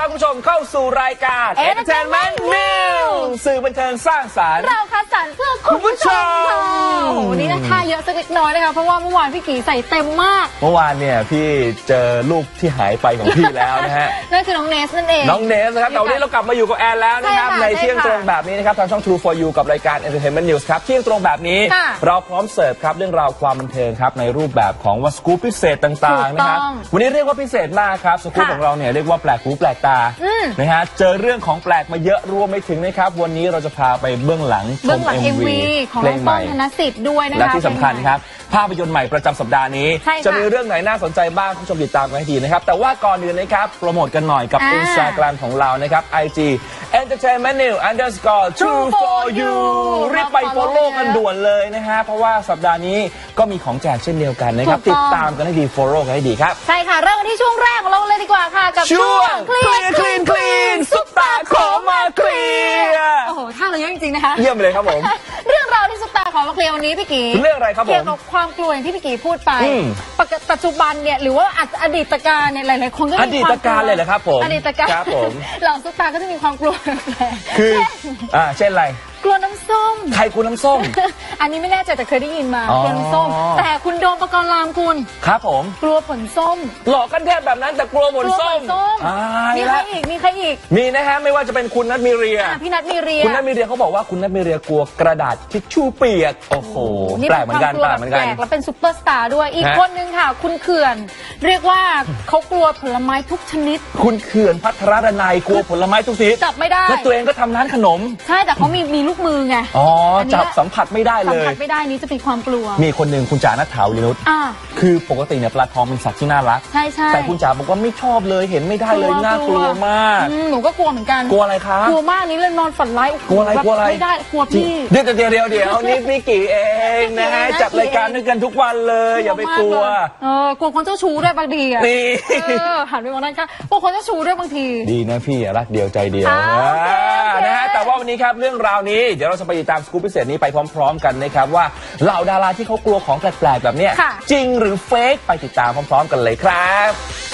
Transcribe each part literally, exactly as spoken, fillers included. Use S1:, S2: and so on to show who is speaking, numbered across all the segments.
S1: รับคุณผู้ชมเข้าสู่รายการ Entertainment News สื่อบันเทิงสร้างสรรค์
S2: เราคัดสรรเพื่อคุณผู้ชมโอ้โหนี่นะท่าเยอะสักเล็กน้อยนะคะเพราะว่าเมื่อวานพี่กีใส่เต็มมาก
S1: เมื่อวานเนี่ยพี่เจอลูกที่หายไปของพี่แล้วนะฮะ
S2: นั่นคือน้องเนสนั่นเอง
S1: น้องเนสนะครับแต่วันนี้เรากลับมาอยู่กับแอนแล้วนะครับในเที่ยงตรงแบบนี้นะครับทางช่อง True for You กับรายการ Entertainment News ครับเที่ยงตรงแบบนี้เราพร้อมเสิร์ฟครับเรื่องราวความบันเทิงครับในรูปแบบของว่าสกู๊ปพิเศษต่างๆนะครับวันนี้เรียกว่าพิเศษมากครับสกู๊ปของเราเนี่ยเรียกว่าแปลกหูแปลกตานะฮะเจอเรื่องของแปลกมาเยอะรวมไปถึงนะครับวันนี้เราจะพาไปเบื้องหลังชม เอ็ม วี
S2: ของน้องป้องธนสิทธิ์ด้วยนะคะ
S1: และที่สำคัญครับภาพยนตร์ใหม่ประจำสัปดาห์นี้จะมีเรื่องไหนน่าสนใจบ้างคุณผู้ชมติดตามกันให้ดีนะครับแต่ว่าก่อนอื่นนะครับโปรโมทกันหน่อยกับ Instagram ของเรานะครับ ไอ จี Entertainment News underscore True for You รีบไป follow กันด่วนเลยนะฮะเพราะว่าสัปดาห์นี้ก็มีของแจกเช่นเดียวกันนะครับติดตามกันให้ดี follow กันให้ดีครับ
S2: ใช่ค่ะเริ่มกันที่ช่วงแรกของเราเลยดีกว่าค่ะกับ
S1: ช่วง Clean Clean Clean ซุปตาขอมาเคลียร์
S2: โอ้โหท่าเราเยอะจริงๆนะคะ
S1: เยี่ยมเลยครับผม
S2: เรื่องราวที่ซุปตาขอมาเคลียร์วันนี้พี่กี
S1: เรื่องอะไรครับผม
S2: เกี่ยวกับความกลัวอย่างที่พี่กีพูดไปปัจจุบันเนี่ยหรือว่าอดีตการเนี่ยหลายๆคนก็มีความ
S1: อดีตการเลยเหรอครับผม
S2: อดีตการ
S1: ครับผม
S2: เหล่าซุปตาก็จะมีความกลัว
S1: คืออ่าเช่นอะไร
S2: กลัวน้ำส้ม
S1: ใครกลัวน้ำส้ม
S2: อันนี้ไม่แน่ใจแต่เคยได้ยินมากลัวน้ำส้มแต่คุณโดมปกรณ์ลามคุณ
S1: ครับผม
S2: กลัวผลส้ม
S1: หลอกกันแทบแบบนั้นแต่กลัวผลส้ม
S2: มีใครอีกมีใครอีก
S1: มีนะฮะไม่ว่าจะเป็นคุณนัทมีเรีย
S2: พี่นัทมีเรีย
S1: คุณนัทมีเรียเขาบอกว่าคุณนัทมีเรียกลัวกระดาษทิชชู่เปียกโอ้โหแปลกเหมือนกันแปลกเหมือนกัน
S2: แล้วเป็นซุปเปอร์สตาร์ด้วยอีกคนนึงค่ะคุณเขื่อนเรียกว่าเขากลัวผลไม้ทุกชนิด
S1: คุณเขื่อนพัทรดนัยกลัวผลไม้ทุกชนิด
S2: จับไม่ได้
S1: แล้วตัวเองก็ทำร้านขนม
S2: ใช่แต่เขามีมีลูกมือไง
S1: อ๋อจับสัมผัสไม่ได้เลย
S2: สัมผัสไม่ได้นี้จะเป็นความกลัว
S1: มีคนหนึ่งคุณจ๋าณัฐฐาวินุชคือปกติเนี่ยปลาทองเป็นสัตว์ที่น่ารัก
S2: ใช่ใช่
S1: แต่คุณจ๋าบอกว่าไม่ชอบเลยเห็นไม่ได้เลยน่ากลัวมาก
S2: หนูก็กลัวเหมือนกัน
S1: กลัวอะไรคะ
S2: กลัวมากนี้เลยนอนฝันร้าย
S1: กลัวอะไรกลัวอะไร
S2: ไม่ได้กลัวพี่
S1: เดี๋ยวเดี๋ยวเดี๋ยวเดี๋ยวนี่พี่กี่เองนะฮะจัดรายการด้วยกันทุกวันเลยอย่าไปกลัว
S2: เออกลัวคนเจ้าชู้ด้วยบางทีอ่ะ
S1: นี่
S2: หันไปมองนั่นค่ะกลัวคนเจ้าชู้ด้วยบางที
S1: ดีนะพี่รักเดียวใจเดียวนะฮะแต่ว่าวันนี้ครับเรื่องราวนี้เดี๋ยวเราจะไปติดตามสกู๊ปพิเศษนี้ไปพร้อมๆกันนะครับว่าเหล่าดาราที่เขากลัวของแปลกๆแบบนี้จริงหรือเฟกไปติดตามพร้อมๆกันเลยครับ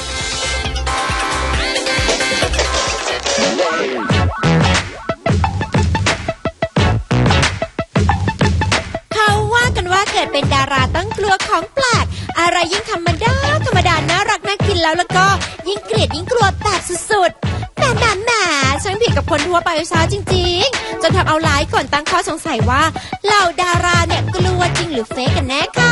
S3: เขาว่ากันว่าเกิดเป็นดาราต้องกลัวของแปลกอะไรยิ่งธรรมดาธรรมดาน่ารักน่ากินแล้วแล้วก็ยิ่งเกลียดยิ่งกลัวแบบสุดๆแหมแหมแหมช่างผิดกับคนทั่วไปช้าจริงๆจนทำเอาหลายคนตั้งข้อสงสัยว่าเหล่าดาราเนี่ยกลัวจริงหรือเฟกกันแน่ค่ะ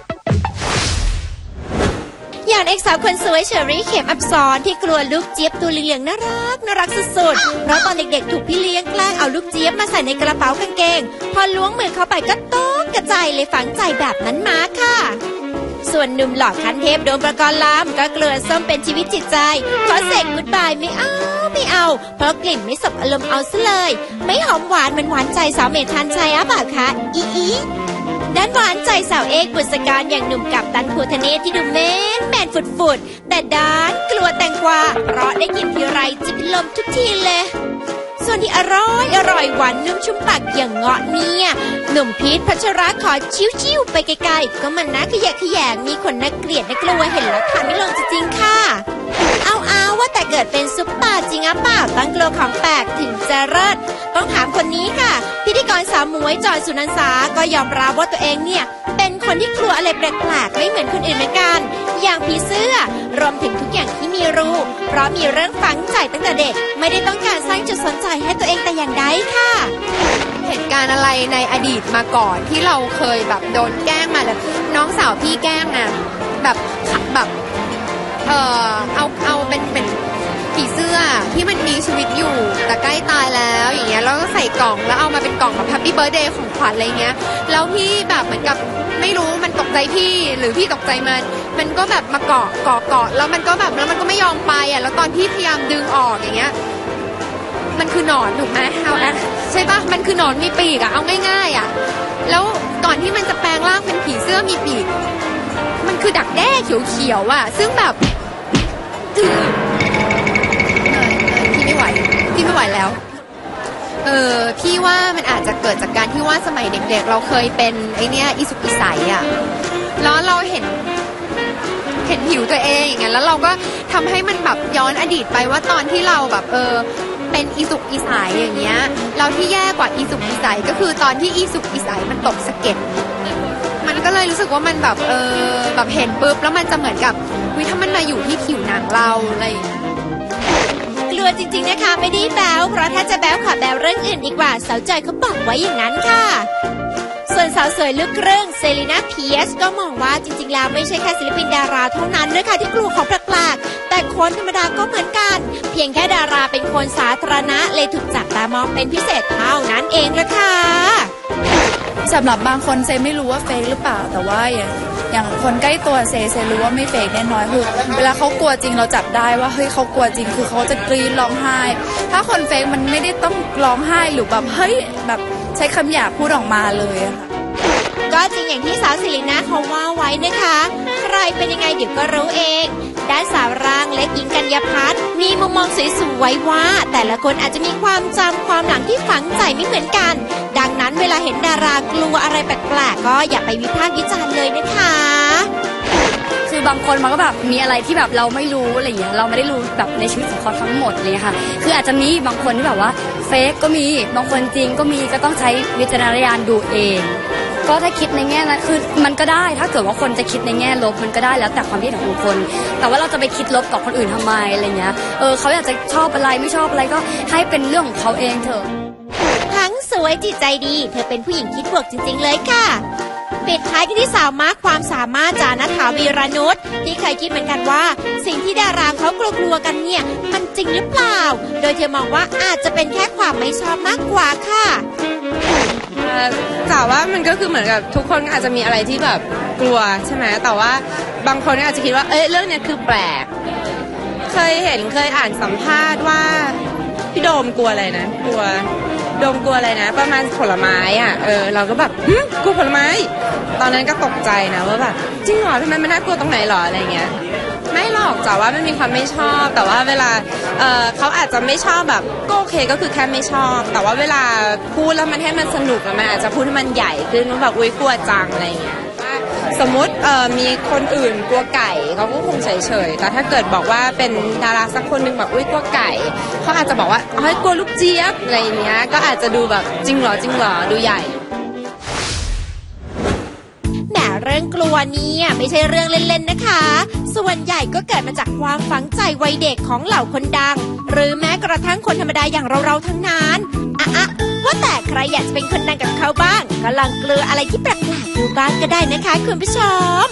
S3: อย่างเอกสาวคนสวยเชอรี่เข็มอับสรที่กลัวลูกเจี๊ยบตัวเหลืองน่ารักน่ารักสุดๆเพราะตอนเด็กๆถูกพี่เลี้ยงแกล้งเอาลูกเจี๊ยบมาใส่ในกระเป๋ากางเกงพอล้วงมือเข้าไปก็ตกกระจายเลยฝังใจแบบนั้นมาค่ะส่วนหนุ่มหล่อคันเทพโดมปกรณ์ลามก็กลัวส้มเป็นชีวิตจิตใจขอเสกกุ๊ดบายไม่เอาไม่เอาเพราะกลิ่นไม่สบอารมณ์เอาซะเลยไม่หอมหวานมันหวานใจสาวเมธานชัยอ่ะเปล่าคะอีอีด้านหวานใจสาวเอกบุษการอย่างหนุ่มกัปตันภูทะเนศที่ดูแมนแมนฟุดๆแต่ด้านกลัวแตงกวาเพราะได้กินทีไรจิบลมทุกทีเลยส่วนที่อร่อยอร่อยหวานนุ่มชุ่มปากอย่างเงาะเนี่ยหนุ่มพีทพัชระขอชิวๆไปไกลๆก็มันน่าขยะขยงมีคนน่าเกลียดน่ากลัวเห็นแล้วทานไม่ลงจริงๆค่ะเอาเอาว่าแต่เกิดเป็นซุปตาจริงอ่ะเปล่าตั้งกลัวของแปลกถึงจะเลิศต้องถามคนนี้ค่ะพิธีกรสาวมวยจอยสุนันท์สาก็ยอมรับว่าตัวเองเนี่ยเป็นคนที่กลัวอะไรแปลกๆไม่เหมือนคนอื่นเหมือนกันอย่างผีเสื้อรวมถึงทุกอย่างที่มีรูเพราะมีเรื่องฝังใจตั้งแต่เด็กไม่ได้ต้องการสร้างจุดสนใจให้ตัวเองแต่อย่างใดค่ะ
S4: เหตุการณ์อะไรในอดีตมาก่อนที่เราเคยแบบโดนแกล้งมาเลยน้องสาวพี่แกล้งอ่ะแบบแบบเออเอาเอาเป็นเป็นผีเสื้อที่มันมีชีวิตอยู่แต่ใกล้ตายแล้วอย่างเงี้ยแล้วก็ใส่กล่องแล้วเอามาเป็นกล่องแบบแฮปปี้เบิร์ธเดย์ของขวัญอะไรเงี้ยแล้วพี่แบบเหมือนกับไม่รู้มันตกใจพี่หรือพี่ตกใจมันมันก็แบบมาเกาะเกาะเกาะแล้วมันก็แบบแล้วมันก็ไม่ยอมไปอ่ะแล้วตอนพี่พยายามดึงออกอย่างเงี้ยมันคือหนอนถูกไหมเอาอะใช่ปะมันคือหนอนมีปีกอะเอาง่ายๆอะแล้วก่อนที่มันจะแปลงร่างเป็นผีเสื้อมีปีกมันคือดักแด้เขียวๆอะซึ่งแบบพี่ไม่ไหวพี่ไม่ไหวแล้วเออพี่ว่ามันอาจจะเกิดจากการที่ว่าสมัยเด็กๆเราเคยเป็นไอเนี้ยอิสุกอิสัยอะแล้วเราเห็นเห็นผิวตัวเองอย่างเงี้ยแล้วเราก็ทำให้มันแบบย้อนอดีตไปว่าตอนที่เราแบบเออเป็นอีสุกอีใสอย่างเงี้ยเราที่แย่กว่าอีสุกอีใสก็คือตอนที่อีสุกอีใสมันตกสะเก็ดมันก็เลยรู้สึกว่ามันแบบเออแบบเห็นปุ๊บแล้วมันจะเหมือนกับวิถ้ามันมาอยู่ที่ผิวหนังเราอะไรอย่างเงี้ย
S3: กลัวจริงๆนะคะไม่ได้แบ๊วเพราะถ้าจะแบ๊วขอแบ๊วเรื่องอื่นดีกว่าสาวจอยเขาบอกไว้อย่างนั้นค่ะส่วนสาวสวยลูกครึ่งเซรีนาเพียสก็มองว่าจริงๆแล้วไม่ใช่แค่ศิลปินดาราเท่านั้นนะคะที่กลัวของแปลกๆแต่คนธรรมดาก็เหมือนกันเพียงแค่ดาราเป็นคนสาธารณะเลยถูกจับตามองเป็นพิเศษเท่านั้นเองละค่ะ
S5: สำหรับบางคนเซไม่รู้ว่าเฟกหรือเปล่าแต่ว่าอย่างอย่างคนใกล้ตัวเซเซรู้ว่าไม่เฟกแน่นอนคือเวลาเขากลัวจริงเราจับได้ว่าเฮ้ยเขากลัวจริงคือเขาจะกรี๊ดร้องไห้ถ้าคนเฟกมันไม่ได้ต้องร้องไห้หรือแบบเฮ้ยแบบใช้คำหยาบพูดออกมาเลยอะค่ะ
S3: ก็จริงอย่างที่สาวศิรินาเขาว่าไว้นะคะใครเป็นยังไงเดี๋ยวก็รู้เองด้านสาวร่างเล็กหญิงกัญญาพัฒน์มีมุมมองสวยๆว่าแต่ละคนอาจจะมีความจำความหลังที่ฝังใจไม่เหมือนกันดังนั้นเวลาเห็นดารากลัวอะไรแปลกๆก็อย่าไปวิพากษ์วิจารณ์เลยนะคะ
S5: คือบางคนมันก็แบบมีอะไรที่แบบเราไม่รู้อะไรอย่างเงี้ยเราไม่ได้รู้แบบในชีวิตของเขาทั้งหมดเลยค่ะคืออาจจะมีบางคนที่แบบว่าเฟกก็มีบางคนจริงก็มีก็ต้องใช้วิจารณญาณดูเองก็ถ้าคิดในแง่นั้นคือมันก็ได้ถ้าเกิดว่าคนจะคิดในแง่ลบมันก็ได้แล้วแต่ความคิดของบุคคลแต่ว่าเราจะไปคิดลบกับคนอื่นทำไมอะไรเงี้ยเออเขาอยากจะชอบอะไรไม่ชอบอะไรก็ให้เป็นเรื่องของเขาเองเถอะ
S3: ทั้งสวยจิตใจดีเธอเป็นผู้หญิงคิดบวกจริงๆเลยค่ะปิดท้ายกันที่สาวมากความสามารถจานัฐาวีรนุชที่เคยคิดเหมือนกันว่าสิ่งที่ดาราเขากลัวๆกันเนี่ยมันจริงหรือเปล่าโดยเธอมองว่าอาจจะเป็นแค่ความไม่ชอบมากกว่าค่ะ
S6: แต่ว่ามันก็คือเหมือนกับทุกคนอาจจะมีอะไรที่แบบกลัวใช่ไหมแต่ว่าบางคนอาจจะคิดว่าเอ้ยเรื่องนี้คือแปลกเคยเห็นเคยอ่านสัมภาษณ์ว่าพี่โดมกลัวอะไรนะกลัวโดมกลัวอะไรนะประมาณผลไม้อ่ะเออเราก็แบบกลัวผลไม้ตอนนั้นก็ตกใจนะว่าแบบจริงเหรอทำไมมันน่ากลัวตรงไหนหรออะไรเงี้ยไม่หรอกแต่ว่ามันมีความไม่ชอบแต่ว่าเวลา เ, เขาอาจจะไม่ชอบแบบก็โอเคก็คือแค่ไม่ชอบแต่ว่าเวลาพูดแล้วมันให้มันสนุกแล้วมันอาจจะพูดให้มันใหญ่ขึ้นว่าแบบอุ้ยกลัวจังอะไรเงี้ยสมมติมีคนอื่นกลัวไก่เขาก็คงเฉยๆแต่ถ้าเกิดบอกว่าเป็นดาราสักคนหนึ่งแบบอุ้ยกลัวไก่เขาอาจจะบอกว่าเฮ้ยกลัวลูกเจี๊ยบอะไรเงี้ยก็อาจจะดูแบบจริงเหรอจริงเหรอดูใหญ่
S3: เรื่องกลัวเนี่ยไม่ใช่เรื่องเล่นๆนะคะส่วนใหญ่ก็เกิดมาจากความฝังใจวัยเด็กของเหล่าคนดังหรือแม้กระทั่งคนธรรมดาอย่างเราๆทั้งนั้นอะอะว่าแต่ใครอยากจะเป็นคนดังกับเขาบ้างก็ลองกลัวอะไรที่แปลกๆดูบ้างก็ได้นะคะคุณผู้ชม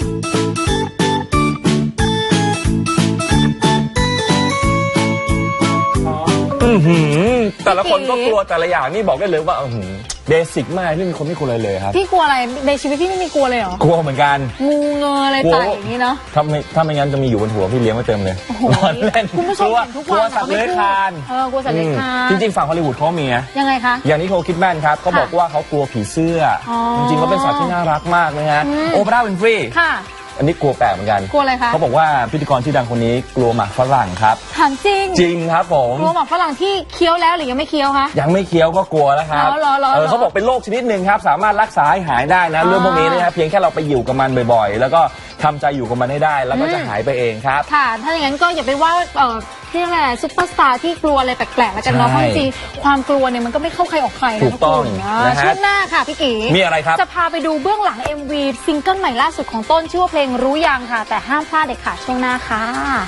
S1: อือหือแต่ละคนก็กลัวแต่ละอย่างนี่บอกได้เลยว่าอือหือเบสิกมากไม่มีคนไม่กลัวอะไรเลยครับ
S2: พี่กลัวอะไรในชีวิตพี่ไม่มีกลัวเลยเหรอก
S1: ลัวเหมือนกัน
S2: งูเงยอะไรต่างอย่างนี้เนาะ
S1: ถ้าไม่ถ้าไม่งั้นจะมีอยู่บนหัวพี่เลี้ยงไว้เต็มเลย
S2: นอนเล่นคุณผู้ชมเห็นทุกวัน
S1: กลัวสัตว์เลื้อยคลาน
S2: เออกลัวสัตว์เลื้อยคลาน
S1: จริงๆฝั่งฮอลลีวูดเขามีนะ
S2: ยังไงคะ
S1: อย่างนี้โคคิดแมนครับเขาบอกว่าเขากลัวผีเสื้อจริงๆเขาเป็นสัตว์ที่น่ารักมากนะฮะโอปราห์วินฟรีอันนี้กลัวแปลกเหมือนกัน
S2: กลัวอะไรคะ
S1: เขาบอกว่าพิธีกรชื่อดังคนนี้กลัวหมากฝรั่งครับ
S2: ถามจริง
S1: จริงครับผม
S2: กลัวหมากฝรั่งที่เคี้ยวแล้วหรือยังไม่เคี้ยวคะ
S1: ยังไม่เคี้ยวก็กลัวแล้วครับเออเขาบอกเป็นโรคชนิดหนึ่งครับสามารถรักษาให้หายได้นะเรื่องพวกนี้นะครับเพียงแค่เราไปอยู่กับมันบ่อยๆแล้วก็ทำใจอยู่กับมันให้ได้แล้วก็จะหายไปเองครับ
S2: ค่ะถ้าอย่างนั้นก็อย่าไปว่าเออที่อะไรซุปเปอร์สตาร์ที่กลัวอะไรแปลกๆแล้วกันเนาะเพราะจริงความกลัวเนี่ยมันก็ไม่เข้าใครออกใครนะ
S1: ถูกต้อง
S2: นะช่วงหน้าค่ะพี่กี
S1: มีอะไรครับ
S2: จะพาไปดูเบื้องหลัง เอ็ม วี ซิงเกิลใหม่ล่าสุดของต้นชื่อว่าเพลงรู้ยังค่ะแต่ห้ามพลาดเด็ดขาดช่วงหน้าค่ะ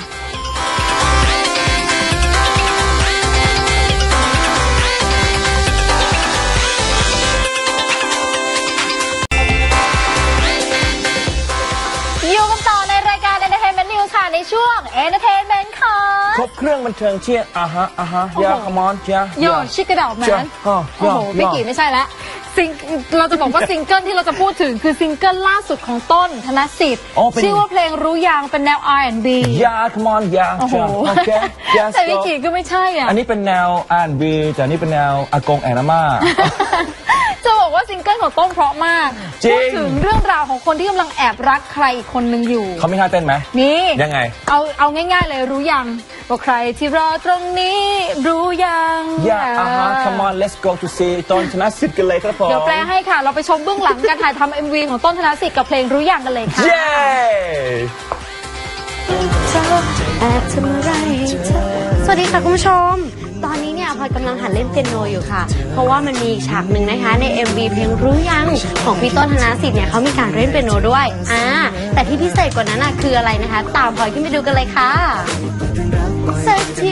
S2: ในช่วง Entertainment ค่ะ
S1: ครบเครื่องบันเทิงเชียร์อ่ะฮะอ่ะฮะยาคอมอนเชียร์
S2: โยชิกระดาษนั้นโอ้โหพี่กี่ไม่ใช่แล้วซิงเราจะบอกว่าซิงเกิลที่เราจะพูดถึงคือซิงเกิลล่าสุดของต้นธนสิทธิ์ชื่อว่าเพลงรู้ยังเป็นแนว อาร์ แอนด์ บี
S1: ยาคอมอนยาโอ้โห
S2: แต่พี่กี่ก็ไม่ใช่อ่ะ
S1: อันนี้เป็นแนว อาร์ แอนด์ บี แต่นี่เป็นแนวอากงแอนนาม่า
S2: จะบอกว่าซิงเกิลของต้นเพราะมากพูดถึงเรื่องราวของคนที่กำลังแอบรักใครอีกคนนึงอยู่
S1: เขาไม่ท่าเต้นไหม
S2: มี
S1: ยังไง
S2: เอาเอาง่ายๆเลยรู้ยังว่าใครที่รอตรงนี้รู้ยัง
S1: Yeah อ่าฮะ Come on let's go to see ต้นธนสิทธิ์กันเลยครับผม
S2: เดี๋ยวแปลให้ค่ะเราไปชมเบื้องหลังการถ่ายทำ เอ็ม วี ของต้นธนสิทธิ์กับเพลงรู้ยังกันเลยค่ะ
S1: เย้
S7: แอบทำอะไรเธอสวัสดีค่ะคุณผู้ชมตอนนี้เนี่ยพลอยกำลังหัดเล่นเปียโนอยู่ค่ะเพราะว่ามันมีฉากหนึ่งนะคะใน เอ็ม วี เพลงรู้ยังของพี่ต้นธนสิทธิ์เนี่ยเขามีการเล่นเปียโนด้วยอ่าแต่ที่พิเศษกว่านั้นน่ะคืออะไรนะคะตามพลอยขึ้นไปดูกันเลยค่ะสักที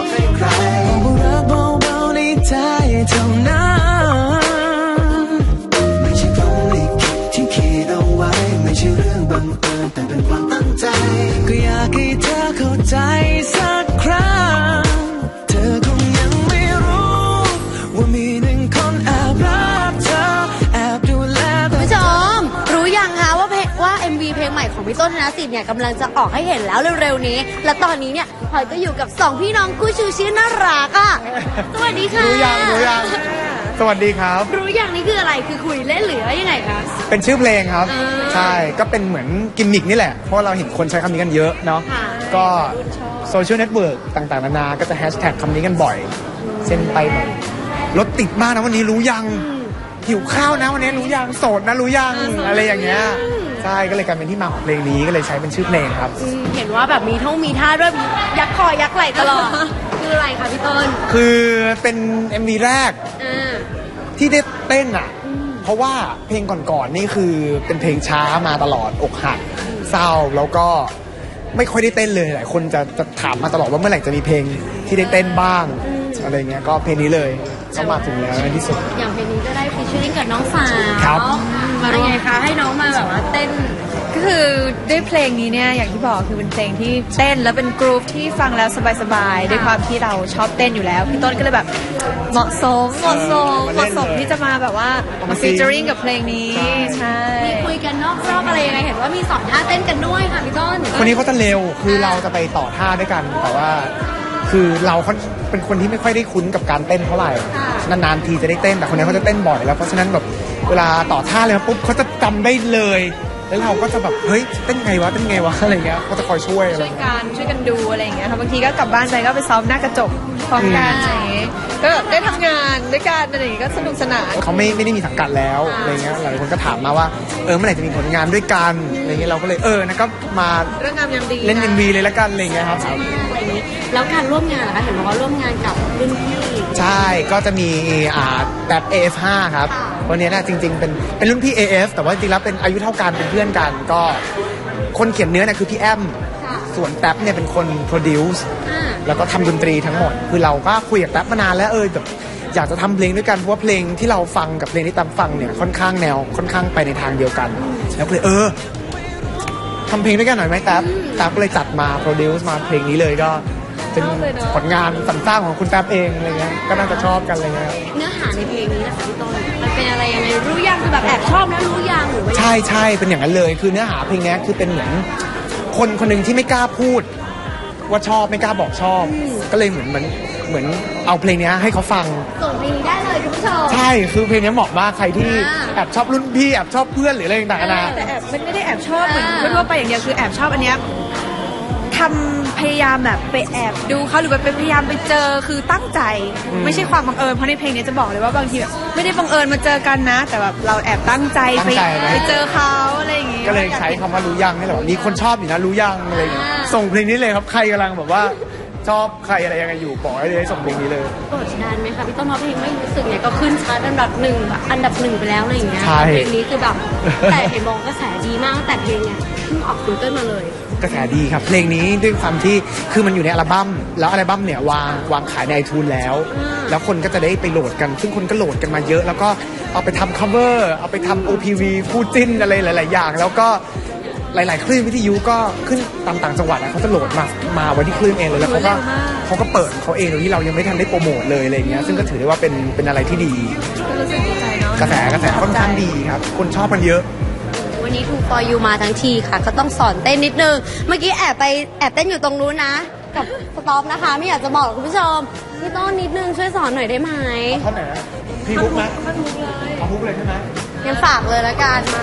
S8: ไม่ใช่พรหมลิขิตที่คิดเอาไว้ไม่ใช่เรื่องบังเอิญแต่เป็นความตั้งใจก็อยากให้เธอเข้าใจสักครั้งเธอคงยังไม่รู้ว่ามีหนึ่งคนแอบรักเธอแอบดูแลคุณ
S7: ผู้ชมรู้ยังคะว่าเพลงว่า เอ็ม วี เพลงใหม่ของพี่ต้นธนสิทธิ์เนี่ยกำลังจะออกให้เห็นแล้วเร็วๆนี้และตอนนี้เนี่ยพลอยก็อยู่กับสองพี่น้องคู่ชูชื่อน่ารักอ่ะสวัสดีค่ะ
S9: รู้ยังรู้ยังสวัสดีครับ
S7: รู้ยังนี่คืออะไรคือคุยเล่นหรือว่ายังไงคะ
S9: เป็นชื่อเพลงครับใช่ก็เป็นเหมือนกิมมิกนี่แหละเพราะเราเห็นคนใช้คำนี้กันเยอะเนาะก็โซเชียลเน็ตเวิร์กต่างๆนานาก็จะแฮชแท็กคำนี้กันบ่อยเส้นไปหมดรถติดมากนะวันนี้รู้ยังหิวข้าวนะวันนี้รู้ยังโสดนะรู้ยังอะไรอย่างเงี้ยใช่ก็เลยกลายเป็นที่มาของเพลงนี้ก็เลยใช้เป็นชื่อเพลงครับ
S7: เห็นว่าแบบมีท่องมีท่าด้วยยักคอยักไหล่ตลอดคืออะไรคะพี่ต้น
S9: คือเป็น เอ็ม วี แรกที่ได้เต้นอ่ะเพราะว่าเพลงก่อนๆนี่คือเป็นเพลงช้ามาตลอดอกหักเศร้าแล้วก็ไม่ค่อยได้เต้นเลยหลายคนจะจะถามมาตลอดว่าเมื่อไหร่จะมีเพลงที่ได้เต้นบ้างอะไรเงี้ยก็เพลงนี้เลยก็มาถึงแล้วในที่สุด
S7: อย่างเพลงนี้ก็ได้ฟีเจอริ่งกับน้องสาว
S9: ครับ
S7: มาเป็นไงคะให้น้องมาแบบว่าเต้น
S10: ก็คือด้วยเพลงนี้เนี่ยอย่างที่บอกคือเป็นเพลงที่เต้นแล้วเป็นกรุ๊ปที่ฟังแล้วสบายๆด้วยความที่เราชอบเต้นอยู่แล้วพี่ต้นก็เลยแบบเหมาะสมเหมาะสมเหมาะสมที่จะมาแบบว่ามาฟีเจอริ่งกับเพลงนี้ใช่
S7: มีคุยกันนอกรอบอะไรยังไงเห็นว่ามีสอนท่าเต้นกันด้วยค่ะพี่ต้น
S9: คนนี้เขาจะเร็วคือเราจะไปต่อท่าด้วยกันแต่ว่าคือเราเขาเป็นคนที่ไม่ค่อยได้คุ้นกับการเต้นเท่าไหร่นานๆทีจะได้เต้นแต่คนนี้เขาจะเต้นบ่อยแล้วเพราะฉะนั้นแบบเวลาต่อท่าเลยปุ๊บเขาจะจำได้เลยแล้วเราก็จะแบบเฮ้ยเต้นไงวะเต้นไงวะอะไรเงี้ยก็จะคอยช่วยอะไร
S10: ช่วยกันช่วยกันดูอะไรอย่างเงี้ยค่ะบางทีก็กลับบ้านไปก็ไปซ้อมหน้ากระจกพร้อมกันอะไรอย่างเงี้ยก็ได้ทำงานด้วยกันอะไรอย่างเงี้ยก็สนุกสนาน
S9: เขาไม่ไม่ได้มีสังกัดแล้วอะไรเงี้ยหลายคนก็ถามมาว่าเออเมื่อไหร่จะมีผลงานด้วยกันอะไรเงี้ยเราก็เลยเออนะก็มา
S10: เรื่องงามยามดี
S9: เล่น เอ็ม วี เลยละกันอะไรเงี้ยครับ
S7: อะไรนี้แล้วการร่วมงานนะคะเห็นบอกว่าร่วมงานกับรุ่นพี่
S9: ใช่ก็จะมีอ่าแบบ เอ เอฟ ห้า ครับวันนี้นะจริงๆเป็นเป็นรุ่นพี่ เอ เอฟ แต่ว่าจริงๆแล้วเป็นอายุเท่ากันเป็นเพื่อนกันก็คนเขียนเนื้อเนี่ยคือพี่แอมส่วนแท็บเนี่ยเป็นคนโปรดิวซ์แล้วก็ทำดนตรีทั้งหมดคือเราก็คุยกับแท็บมานานแล้วเออแบบอยากจะทำเพลงด้วยกันเพราะว่าเพลงที่เราฟังกับเพลงที่แท็บฟังเนี่ยค่อนข้างแนวค่อนข้างไปในทางเดียวกันแล้วก็เลยเออทำเพลงด้วยกันหน่อยไหมแท็บแท็บก็เลยจัดมาโปรดิวซ์มาเพลงนี้เลยก็เป็นผลงานสรรสร้างของคุณแท็บเองอะไรเงี้ยก็น่าจะชอบกันอะไรเงี้ย
S7: เนื้อหาในเพลงนี้นะคะพี่ต้นมันเป็นอะไรยังไงรู้ยังคือแบบแอบชอบนะรู้ยังหรือว่า
S9: ใช่ใช่เป็นอย่างนั้นเลยคือเนื้อหาเพลงนี้คือเป็นเหมือนคนคนหนึ่งที่ไม่กล้าพูดว่าชอบไม่กล้าบอกชอบก็เลยเหมือนเหมือนเหมือนเอาเพลงนี้ให้เขาฟัง
S7: ส่งเพลงนี้ได้เลยคุณผู้ชม
S9: ใช่คือเพลงนี้เหมาะมากใครที่แอบชอบรุ่นพี่แอบชอบเพื่อนหรืออะไรต่างๆนะ
S10: แต่แอบไม่ได้แอบชอบเหมือนทั่วไปอย่างเดียวคือแอบชอบอันเนี้ยทำพยายามแบบไปแอบดูเขาหรือไปพยายามไปเจอคือตั้งใจไม่ใช่ความบังเอิญเพราะในเพลงนี้จะบอกเลยว่าบางทีแบบไม่ได้บังเอิญมาเจอกันนะแต่แบบเราแอบตั้งใจไปไปเจอเขาอะไรอย่างงี้
S9: ก็เลยใช้คำว่ารู้ยังนี่แหละมีคนชอบอยู่นะรู้ยังอะไรส่งเพลงนี้เลยครับใครกำลังแบบว่าชอบใครอะไรยังไงอยู่บอกให้เลยส่งเพลงนี้เลย
S7: กดดันไหมคะพี่ต้นเพราะเพลงไม่รู้สึกเนี่ยก็ขึ้นชาร์ตอันดับหนึ่งอันดับหนึ่งไปแล้วอะไรอย่างเงี้ยเพลงนี้คือแบบแต่เห็นบอกกระแสดีมากแต่เพลงเนี่ยเพิ่งออกซิงเกิลมาเลย
S9: กระแสดีครับเพลงนี้ด้วยความที่คือมันอยู่ในอัลบั้มแล้วอัลบั้มเนี่ยวางวางขายใน iTunes แล้วแล้วคนก็จะได้ไปโหลดกันซึ่งคนก็โหลดกันมาเยอะแล้วก็เอาไปทำ cover เอาไปทำ โอ พี วี คู่จิ้นอะไรหลายๆอย่างแล้วก็หลายๆคลื่นวิทยุก็ขึ้นตามต่างจังหวัดเขาจะโหลดมามาไว้ที่คลื่นเองเลยแล้วเขาก็เขาก็เปิดเขาเองโดยที่เรายังไม่ทันได้โปรโมทเลยอะไรเงี้ยซึ่งก็ถือได้ว่าเป็นเป็นอะไรที่ดีกระแสกระแสค่อนข้างดีครับคนชอบกันเยอะ
S7: วันนี้ทูฟอร์ยูมาทั้งทีค่ะก็ต้องสอนเต้นนิดนึงเมื่อกี้แอบไปแอบเต้นอยู่ตรงนู้นนะกับสต็อปนะคะไม่อยากจะบอกคุณผู้ชมพี่ต้นนิดนึงช่วยสอนหน่อยได้ไหม
S9: ท่อนไหนพี่บุ๊กไหมเอาบุ๊กเลยใช่ไหม
S7: ยังฝากเลยละกันมา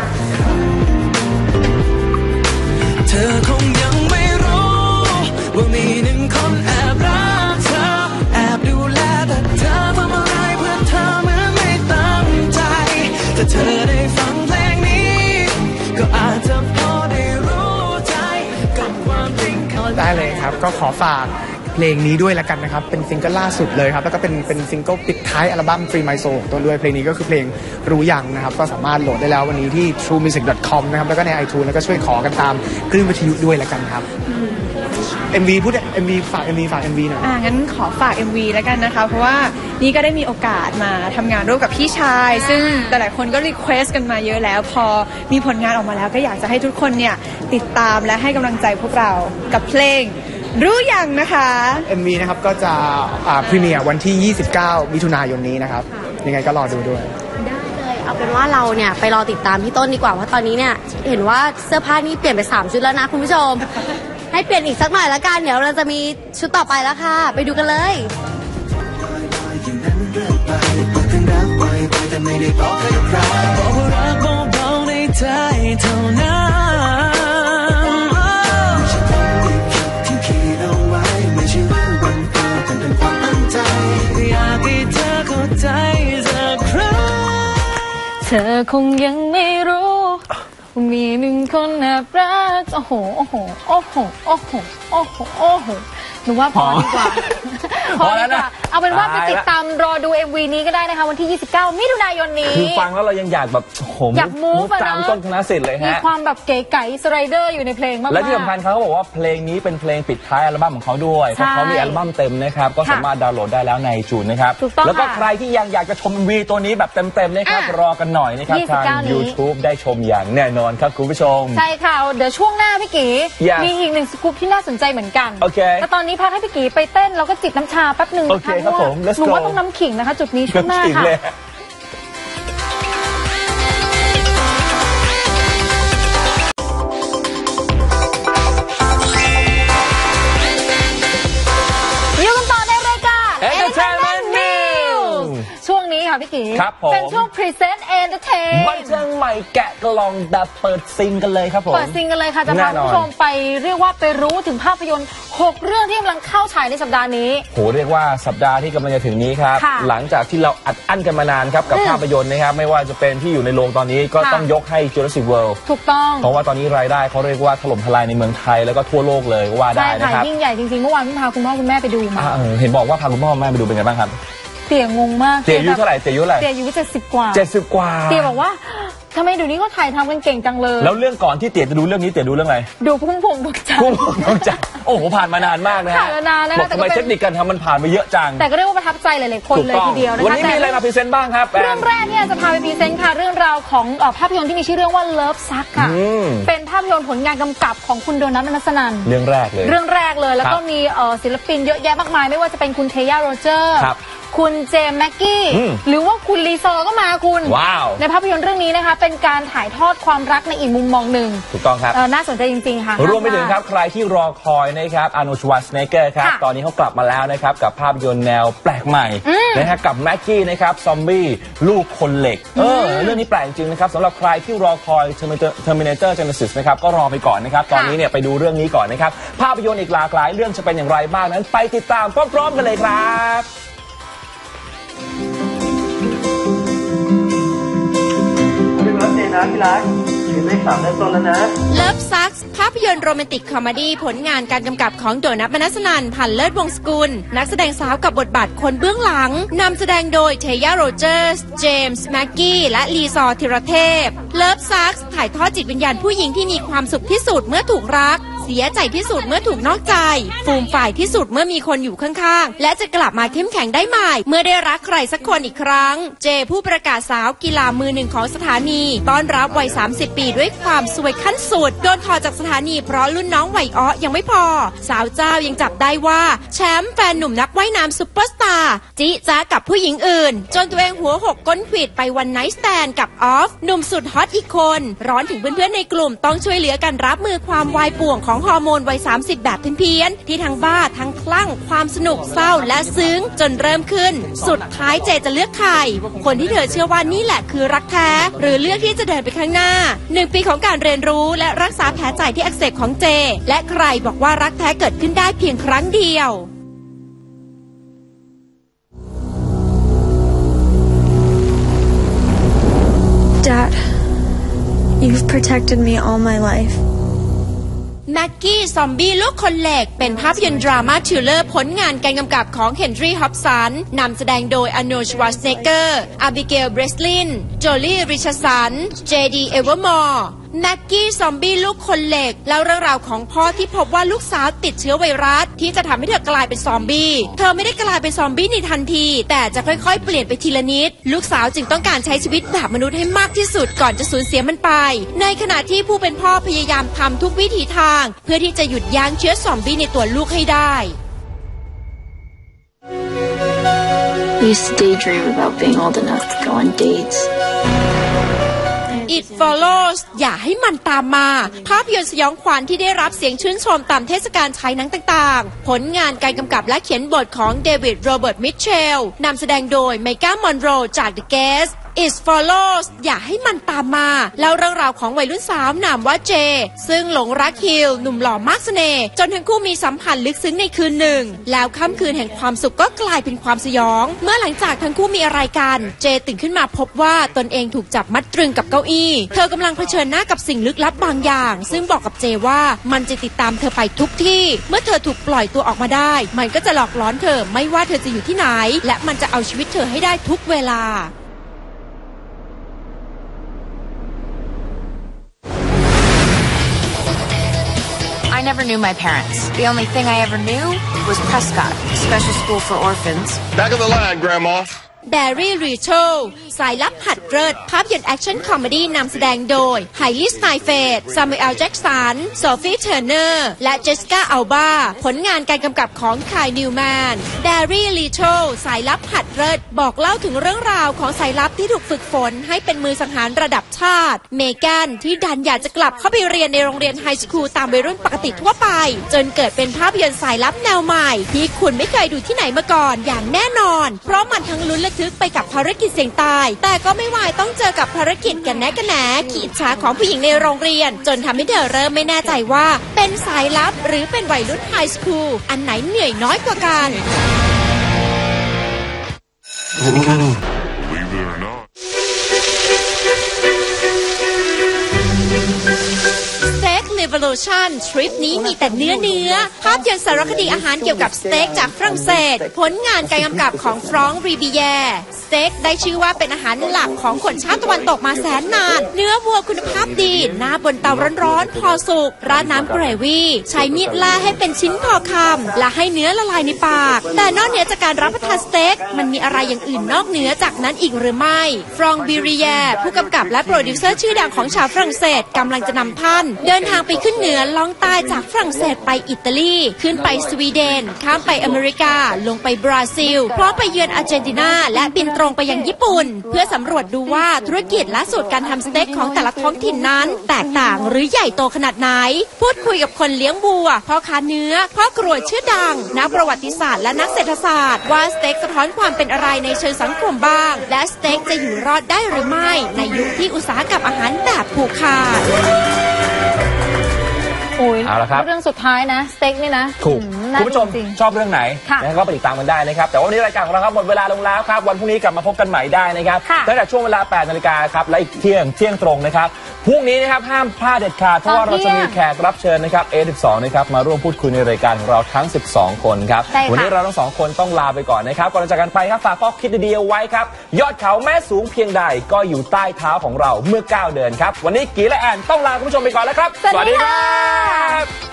S8: เธอคงยังไม่รู้ว่ามีหนึ่งคนแอบรักเธอแอบดูแลแต่เธอทำอะไรเพื่อเธอเหมือนไม่ตั้งใจแต่เธอได้ฟังเพลงนี้ก็อาจจะพอได้รู้ใจกับความจริงเข้า
S9: ได้เลยครับก็ขอฝากเพลงนี้ด้วยละกันนะครับเป็นซิงเกิลล่าสุดเลยครับแล้วก็เป็นเป็นซิงเกิลปิดท้ายอัลบั้ม Free My Soul ของตัวด้วยเพลงนี้ก็คือเพลงรู้ยังนะครับก็สามารถโหลดได้แล้ววันนี้ที่ ทรู มิวสิก ดอท คอม นะครับแล้วก็ใน ไอทูน แล้วก็ช่วยขอกันตามคลื่นวิทยุด้วยละกันครับ เอ็ม วี พูด เอ็ม วี ฝาก เอ็ม วี ฝาก เอ็ม วี หน่อย
S10: อ่างั้นขอฝาก เอ็ม วี แล้วกันนะคะเพราะว่านี่ก็ได้มีโอกาสมาทำงานร่วมกับพี่ชายซึ่งหลายๆคนก็รีเควสกันมาเยอะแล้วพอมีผลงานออกมาแล้วก็อยากจะให้ทุกคนเนี่ยติดตามและให้กำลังใจพวกเรากับเพลงรู้ยังนะคะ
S9: เอ็ม วี นะครับก็จะอ่าพรีเมียร์วันที่ยี่สิบเก้ามิถุนายนนี้นะครับยังไงก็รอดูด้วย
S7: ได้เลยเอาเป็นว่าเราเนี่ยไปรอติดตามพี่ต้นดีกว่าเพราะตอนนี้เนี่ยเห็นว่าเสื้อผ้านี่เปลี่ยนไปสามชุดแล้วนะคุณผู้ชมให้เปลี่ยนอีกสักหน่อยละกันเดี๋ยวเราจะมีชุดต่อไปแล้วค่ะไปดูกันเลย
S8: บอกว่ารักเบาๆในใจเท่านั้นไม่ใช่ต้องรีบคิดที่คิดเอาไว้ไม่ใช่เรื่องบังเอิญแต่เป็นความตั้งใจอยากให้เธอเข้าใจสักครั้ง
S2: เธอคงยังไม่รู้มีหนึ่งคนแอบรักโอ้โหโอ้โหโอ้โหโอ้โหโอ้โหโอ้โหหนูว่าพอดีกว่าพอดีกว่าเอาเป็นว่าไปติดตามรอดู เอ็ม วี นี้ก็ได้นะคะวันที่ยี่สิบเก้ามิถุนายนนี้
S1: คือฟังแล้วเรายังอยากแบบโหม
S2: อยากมูฟ
S1: ตามต้นธนสิทธิ์เลยฮะ
S2: มีความแบบเก๋ไก๋สไลเดอร์อยู่ในเพลงมากๆ
S1: และที่สำคัญเขาบอกว่าเพลงนี้เป็นเพลงปิดท้ายอัลบั้มของเขาด้วยเพราะเขามีอัลบั้มเต็มนะครับก็สามารถดาวน์โหลดได้แล้วในจูนนะครับแล้วก็ใครที่ยังอยากจะชม เอ็ม วี ตัวนี้แบบเต็มๆนะครับรอกันหน่อยนะครับทาง ยูทูบ ได้ชมอย่างแน่นอนครับคุณผู้ชม
S2: ใช่ค่ะเดี๋ยวช่วงหน้าพี่กีมีอีกหนึ่งสกู๊ปที่น่าสนใจเหมือนกันแต่ตอนนี้พักให้พี่กีไปเต้นแล้วก็จิบน้ำชาแป๊บหนึ่งนะคะเพราะว่าหนูว่าต้องน้ำขิงนะคะจุดนี้ช่วงหน้าค่ะอยู่กันต่อในรายการ Entertainment News ช่วงนี้ค่ะพี่กีเป็นช่วง Present Entertain
S1: บันเทิงใหม่แกะกล่องแบบเปิดซิงกันเลยครับผม
S2: เปิดซิงกันเลยค่ะจะพาคุณผู้ชมไปเรียกว่าไปรู้ถึงภาพยนตร์หกเรื่องที่กำลังเข้าฉายในสัปดาห์นี้
S1: โหเรียกว่าสัปดาห์ที่กำลังจะถึงนี้ครับหลังจากที่เราอัดอั้นกันมานานครับกับภาพยนตร์นะครับไม่ว่าจะเป็นที่อยู่ในโรงตอนนี้ก็ต้องยกให้ Jurassic World
S2: ถูกต้อง
S1: เพราะว่าตอนนี้รายได้เขาเรียกว่าถล่มทลายในเมืองไทยแล้วก็ทั่วโลกเลยว่าได้นะครับ
S2: ยิ่งใหญ่จริงๆเมื่อวานพี่พาคุณพ่อคุณแม่ไปดูมา
S1: เห็นบอกว่าพาคุณพ่อคุณแม่ไปดูเป็นไงบ้างครับ
S2: เตี๋ยงงมาก
S1: เตี๋ยอายุเท่าไหร่เตี๋ยอายุอะไร
S2: เตี๋ยอายุเจ็ดสิบกว่า
S1: เจ็ดสิบกว่า
S2: เตี๋ยบอกว่าทำไมเดี๋ยวนี้ก็ถ่ายทำกันเก่งจังเลย
S1: แล้วเรื่องก่อนที่เตี๋ยจะดูเรื่องนี้เตี๋ยดูเรื่องอะไร
S2: ดูพุ่มพวงดวงจันทร์
S1: พุ่มพวงดวงจันทร์โอ้โหผ่านมานานมากนะฮะ
S2: ผ่านมานานแล้ว
S1: บอกทำไมเทคนิคการทำมันผ่านไปเยอะจัง
S2: แต่ก็เรียกว่าประทับใจหลายๆคนเลยทีเดียวนะคะ
S1: วันนี้มีอะไรมาพรีเซนต์บ้างครับ
S2: เรื่องแรกเนี่ยจะพาไปพรีเซนต์ค่ะเรื่องราวของภาพยนตร์ที่มีชื่อเรื่องว่า Love Sucks ค่ะเป็นภาพยนตร์ผลงานกำกับของคุณโดนัท มนัสนัน
S1: เรื่องแรกเลย
S2: เรื่องแรกเลยแล้วก็มีศิลปินเยอะแยะมากมายไม่ว่าจะเป็นคุณเทย่าโรเจอร์คุณเจมส์แม็กกี้หรือว่าคุณลีซอร์ก็มาคุณในภาพยนตร์เรื่องนี้นะคะเป็นการถ่ายทอดความรักในอีกมุมมองหนึ่ง
S1: ถูกต้องครับ
S2: น่าสนใจจริงๆค่ะ
S1: รวมไปถึงครับใครที่รอคอยนะครับอาร์โนลด์ ชวาร์ซเนกเกอร์ครับตอนนี้เขากลับมาแล้วนะครับกับภาพยนตร์แนวแปลกใหม่นะฮะกับแม็กกี้นะครับซอมบี้ลูกคนเหล็กเออเรื่องนี้แปลกจริงนะครับสำหรับใครที่รอคอย Terminator Genesis นะครับก็รอไปก่อนนะครับตอนนี้เนี่ยไปดูเรื่องนี้ก่อนนะครับภาพยนตร์อีกหลากหลายเรื่องจะเป็นอย่างไรบ้างนั้นไปติดตามพร้อมๆกันเลยครับ
S3: พี่รักอยู่เลขสามเริ่มต้นแล้วนะ Love Sucks ภาพยนตร์โรแมนติกคอมเมดี้ผลงานการกำกับของโดนัท มนัสนัน พันเลิศวงศ์สกุลนักแสดงสาวกับบทบาทคนเบื้องหลังนำแสดงโดยเทย่าโรเจอร์สเจมส์แม็กกี้และลีซอร์ธีรเทพ Love Sucks ถ่ายทอดจิตวิญญาณผู้หญิงที่มีความสุขที่สุดเมื่อถูกรักเสียใจที่สุดเมื่อถูกนอกใจฟูมฝ่ายที่สุดเมื่อมีคนอยู่ข้างๆและจะกลับมาเข้มแข็งได้ใหม่เมื่อได้รักใครสักคนอีกครั้งเจผู้ประกาศสาวกีฬามือหนึ่งของสถานีต้อนรับวัยสามสิบปีด้วยความสวยขั้นสุดโดนถอดจากสถานีเพราะรุ่นน้องวัยอ้อยังไม่พอสาวเจ้ายังจับได้ว่าแชมป์แฟนหนุ่มนักว่ายน้ำซุปเปอร์สตาร์จิจ้ากับผู้หญิงอื่นจนตัวเองหัวหกก้นขวิดไปวันไนท์สแตนกับออฟหนุ่มสุดฮอตอีกคนร้อนถึงเพื่อนๆในกลุ่มต้องช่วยเหลือกันรับมือความวายป่วงของฮอร์โมนวัยสามสิบแบบเพี้ยนๆที่ทั้งบ้าทั้งคลั่งความสนุกเศร้าและซึ้งจนเริ่มขึ้นสุดท้ายเจจะเลือกใครคนที่เธอเชื่อว่านี่แหละคือรักแท้หรือเลือกที่จะเดินไปข้างหน้าหนึ่งปีของการเรียนรู้และรักษาแผลใจที่อักเสบของเจและใครบอกว่ารักแท้เกิดขึ้นได้เพียงครั้งเดียว
S11: Dad, you've protected me all my life.
S3: แม็กกี้ซอมบี้ลูกคนเหล็กเป็นภาพยนตร์ดราม่าทริลเลอร์ผลงานการกำกับของเฮนรี่ฮอปสันนำแสดงโดยอาร์โนลด์ ชวาร์ซเนเกอร์อาบิเกล เบรสลินโจลี่ ริชาร์สันเจดี เอเวอร์มอร์แม็กกี้ซอมบี้ลูกคนเหล็กเล่าเรื่องราวของพ่อที่พบว่าลูกสาวติดเชื้อไวรัสที่จะทำให้เธอกลายเป็นซอมบี้เธอไม่ได้กลายเป็นซอมบี้ในทันทีแต่จะค่อยๆเปลี่ยนไปทีละนิดลูกสาวจึงต้องการใช้ชีวิตแบบมนุษย์ให้มากที่สุดก่อนจะสูญเสียมันไปในขณะที่ผู้เป็นพ่อพยายามทำทุกวิถีทางเพื่อที่จะหยุดยั้งเชื้อซอมบี้ในตัวลูกให้ได้
S11: I used to daydream about being old enough to go on dates.
S3: It Follows อย่าให้มันตามมาภาพยนตร์สยองขวัญที่ได้รับเสียงชื่นชมตามเทศกาลฉายหนังต่างๆผลงานการกำกับและเขียนบทของเดวิด โรเบิร์ต มิทเชลนำแสดงโดยเมก้ามอนโรจาก The Guest It Follows อย่าให้มันตามมาเล่าเรื่องราวของวัยรุ่นสาวนามว่าเจซึ่งหลงรักฮิลหนุ่มหล่อมากเสน่ห์จนทั้งคู่มีสัมพันธ์ลึกซึ้งในคืนหนึ่งแล้วค่ำคืนแห่งความสุขก็กลายเป็นความสยองเมื่อหลังจากทั้งคู่มีอะไรกันเจตื่นขึ้นมาพบว่าตนเองถูกจับมัดตรึงกับเก้าอี้เธอกำลังเผชิญหน้ากับสิ่งลึกลับบางอย่างซึ่งบอกกับเจว่ามันจะติดตามเธอไปทุกที่เมื่อเธอถูกปล่อยตัวออกมาได้มันก็จะหลอกล้อนเธอไม่ว่าเธอจะอยู่ที่ไหนและมันจะเอาชีวิตเธอให้ได้ทุกเวลา
S12: I never knew my parents. The only thing I ever knew was Prescott, special school for orphans.
S13: Back of the line, Grandma.
S3: แบร์รี่ รีโชลสายลับหัดเลิศภาพยนตร์แอคชั่นคอมเมดี้นำแสดงโดยไฮลี่ สไนเฟดซามูเอล แจ็กสันโซฟีเทอร์เนอร์และเจสสิก้า อัลบาผลงานการกำกับของคาย นิวแมนแบร์รี่ รีโชลสายลับหัดเลิศบอกเล่าถึงเรื่องราวของสายลับที่ถูกฝึกฝนให้เป็นมือสังหารระดับชาติเมแกนที่ดันอยากจะกลับเข้าไปเรียนในโรงเรียนไฮสคูลตามวัยรุ่นปกติทั่วไปจนเกิดเป็นภาพยนตร์สายลับแนวใหม่ที่คุณไม่เคยดูที่ไหนมาก่อนอย่างแน่นอนเพราะมันทั้งลุ้นระทึกไปกับภารกิจเสี่ยงตายแต่ก็ไม่วายต้องเจอกับภารกิจกันแน่กันแหนขีดฉาของผู้หญิงในโรงเรียนจนทำให้เธอเริ่มไม่แน่ใจว่าเป็นสายลับหรือเป็นวัยรุ่นไฮสคูลอันไหนเหนื่อยน้อยกว่ากัน
S13: Believe it or not.
S3: Revolution ทริปนี้มีแต่เนื้อเนื้อภาพยนตร์สารคดีอาหารเกี่ยวกับสเต็กจากฝรั่งเศสผลงานการกำกับของฟรองก์ รีบิแยร์สเต็กได้ชื่อว่าเป็นอาหารหลักของคนชาติตะวันตกมาแสนนานเนื้อวัวคุณภาพดีหน้าบนเตาร้อนๆพอสุกราดน้ำเกรวี่ใช้มีดล่าให้เป็นชิ้นพอคำและให้เนื้อละลายในปากแต่นอกเหนือจากการรับประทานสเต็กมันมีอะไรอย่างอื่นนอกเหนือจากนั้นอีกหรือไม่ฟรองก์ บิริแยร์ผู้กำกับและโปรดิวเซอร์ชื่อดังของชาวฝรั่งเศสกำลังจะนำท่านเดินทางไปขึ้นเหนือล่องใต้จากฝรั่งเศสไปอิตาลีขึ้นไปสวีเดนข้ามไปอเมริกาลงไปบราซิลพร้อมไปเยือนอาร์เจนตินาและบินตรงไปยังญี่ปุ่นเพื่อสำรวจดูว่าธุรกิจและสูตรการทำสเต็กของแต่ละท้องถิ่นนั้นแตกต่างหรือใหญ่โตขนาดไหนพูดคุยกับคนเลี้ยงวัวพ่อค้าเนื้อพ่อกรวยชื่อดังนักประวัติศาสตร์และนักเศรษฐศาสตร์ว่าสเต็กสะท้อนความเป็นอะไรในเชิงสังคมบ้างและสเต็กจะอยู่รอดได้หรือไม่ในยุคที่อุตสาหกรรมอาหารแบบผูกขาด
S2: โอ้ย
S1: เอาละครับ
S2: เรื่องสุดท้ายนะสเต็กนี่นะ
S1: ถูกคุณผู้ชมชอบเรื่องไหนนะก็ไปติดตามกันได้นะครับแต่วันนี้รายการของเราครับหมดเวลาลงแล้วครับวันพรุ่งนี้กลับมาพบกันใหม่ได้นะครับตั้งแต่ช่วงเวลาแปดนาฬิกาครับและอีกเที่ยงเที่ยงตรงนะครับพรุ่งนี้นะครับห้ามพลาดเด็ดขาดเพราะว่าเราจะมีแขกรับเชิญนะครับ เอ สิบสอง นะครับมาร่วมพูดคุยในรายการของเราทั้งสิบสองคนครับวันนี้เราทั้งสองคนต้องลาไปก่อนนะครับก่อนจากกันไปครับฝากข้อคิดดีๆเอาไว้ครับยอดเขาแม้สูงเพียงใดก็อยู่ใต้เท้าของเราเมื่อก้าวเดินครับวันนี้กีและแอนต้องลาคุณผู้ชมไปก่อนแล้วครับสวัสดีครับ